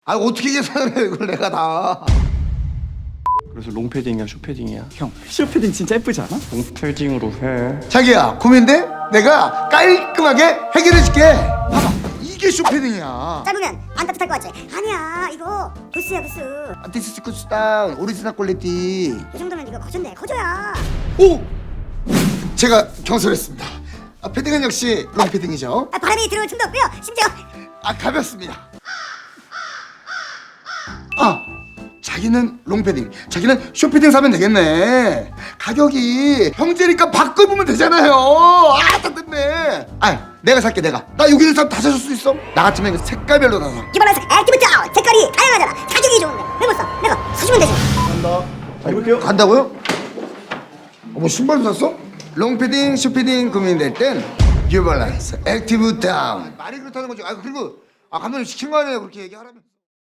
아 어떻게 계산을 해 이걸 내가 다. 그래서 롱패딩이야 숏패딩이야? 형, 쇼패딩 진짜 예쁘지 않아? 롱패딩으로 해. 자기야 고민돼? 내가 깔끔하게 해결해줄게. 봐봐 이게 쇼패딩이야. 짧으면 안 따뜻할 것 같지? 아니야 이거 부스야 부스. 디스 쿠스 다운 오리지널 퀄리티. 이 정도면 이거 거저인데 거저야. 오! 제가 경솔했습니다. 패딩은 역시 롱패딩이죠. 바람이 들어올 틈도 없고요. 심지어 가볍습니다. 자기는 롱패딩, 자기는 숏패딩 사면 되겠네. 가격이 형제니까 바꿔보면 되잖아요. 따뜻네. 내가 살게 내가. 나 여기 있는 사람 다 사줄 수 있어? 나 같으면 이거 색깔별로 다 사. 뉴발란스 액티브 다운 색깔이 다양하잖아. 가격이 좋은데 왜 못 사? 내가 사주면 되지. 간다. 잘 입을게요. 간다고요? 뭐 신발도 샀어? 롱패딩, 숏패딩 고민될 땐 뉴발란스 액티브 다운. 말이 그렇다는 거죠. 그리고 감독님 시킨 거 아니에요 그렇게 얘기하라면.